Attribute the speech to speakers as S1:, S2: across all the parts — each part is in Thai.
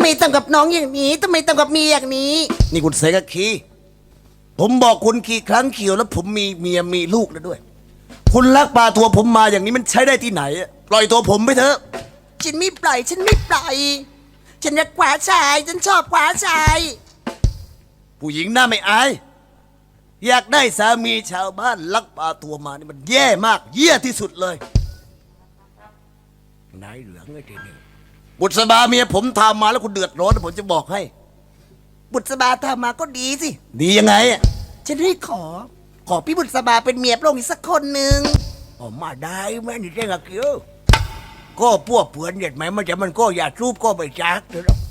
S1: ไมทำกับน้องอย่างนี้ทำไมทำกับเมียอย่างนี้นี่คุณเสกคีผมบอกคุณกี่ครั้งเขียวแล้วผมมีเมียมีลูกแล้วด้วยคุณลักพาตัวผมมาอย่างนี้มันใช้ได้ที่ไหนปล่อยตัวผมไปเถอะฉันไม่ปล่อยฉันไม่ปล่อยฉันรักขวาชายฉันชอบขวาชายผู้หญิงหน้าไม่อายอยากได้สามีชาวบ้านลักพาตัวมานี่มันแย่มากเยี่ยที่สุดเลยนายเหลืองไอ้ทีนี้บุษบาเมียผมทำมาแล้วคุณเดือดร้อนผมจะบอกให้บุษบาทำมาก็ดีสิดียังไงอ่ะฉันให้ขอพี่บุษบาเป็นเมียพระองค์อีกสักคนหนึ่งออกมาได้แม่นี่เจ้าเกี้ยวก็พวกเผื่อนเด็ดไหมมันจะมันก็อย่ารูปก็ไปจักเถอะ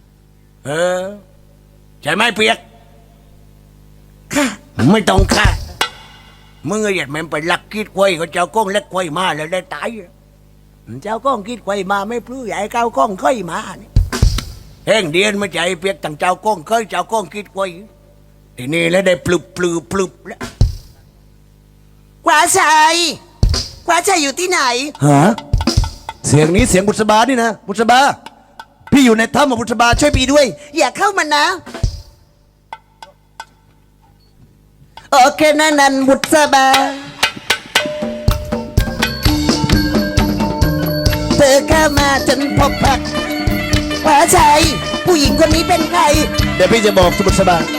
S1: ใช่ไหมเปียกค่ะไม่ต้องค่ะมึงไอ้เด็ดไหมไปลักคิดควายก็เจ้าก้องเล็กควายมาแล้วได้ตายเจ้าก้องคิดควายมาไม่พลื้ใหญ่เก้าก้องค่อยมาแห้งเดียนไม่ใจเปียกตั้งเจ้าก้องเคยเจ้าก้องคิดควายทีนี้แล้วได้ปลุบแล้วขวาชัยอยู่ที่ไหนฮะเสียงนี้เสียงบุษบานี่นะบุษบาพี่อยู่ในถ้ำบุษบาช่วยพี่ด้วยอย่าเข้ามานะโอเคนั่นบุษบาเธอเข้ามาจนพบพักขวาชัยผู้หญิงคนนี้เป็นใครเดี๋ยวพี่จะบอกบุษบา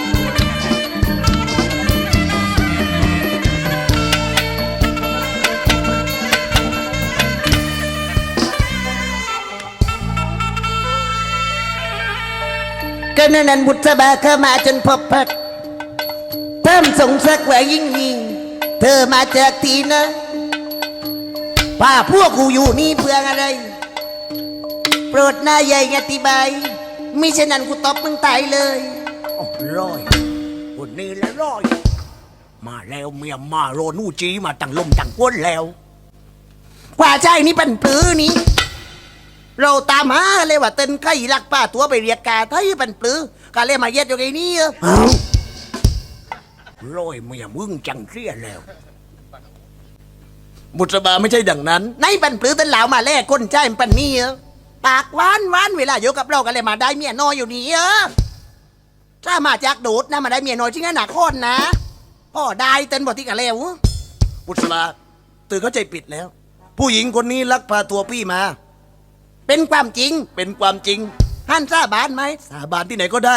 S1: ก็นันบุษบาเข้ามาจนพบพักเพิ่มสงสักว่ายิ่งเธอมาจากที่นะป้าพวกกูอยู่นี่เพื่ออะไรโปรดนายใหญ่อธิบายมิฉะนั้นกูตบมึงตายเลยร้อยคนนี้แล้วร้อยมาแล้วเมียมาโรนูจีมาตั้งลมตั้งก้นแล้วกว่าใจนี่เป็นปื้อนี้เราตามหาเลยว่าเต้นไข่ลักป้าตัวไปเรียกกาไทยเป็นปลื้อกาเลยมาเย็ดอยู่ไงนี่ร้อยเมียมึงจังเสียแล้วบุษบาไม่ใช่ดังนั้นในปันปลื้อเต้นเหลามาแลกก้นใจมันปันนี่ปากหวานเวลาอยู่กับเรากันเลยมาได้เมียน้อยอยู่นี่ถ้ามาจากโดดนะมาได้เมียน้อยจริงๆหนักคนนะพ่อได้เต้นบทที่กันแล้วบุษบาตื่นเข้าใจผิดแล้วผู้หญิงคนนี้ลักพาตัวพี่มาเป็นความจริงท่านสาบานไหมสาบานที่ไหนก็ได้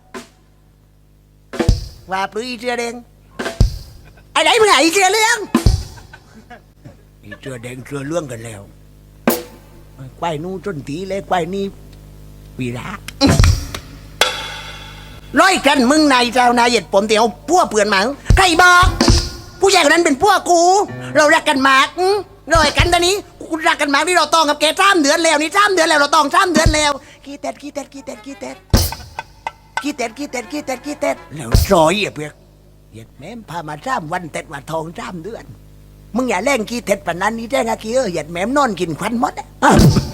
S1: ว่าปลื้อเสื้อแดงไอ้ไหนมึงไอ้เสื้อเหลืองอีเสื้อแดงเสื้อเหลืองกันแล้วควายนู้จนตีเลยควายนี้วีระร้อยกันมึงนายเจ้านายเหยียดผมเดี๋ยวพวกเปื่อนมาใครบอกผู้ชายคนนั้นเป็นพวกกูเรารักกันมากร้อยกันตอนนี้กูรักกันมากที่เราต้องกับแก3 เดือนแล้วนี่3 เดือนแล้วเราต้อง3 เดือนแล้วขี้เต็ดแล้วซอยเปียกเหยียดแม่พามา3 วันเต็ดว่าทอง3 เดือนมึงอย่าแรงขี้เต็ดปานนั้นนี่แจ้งอะขี้เหยียดแม่นอนกินควันหมด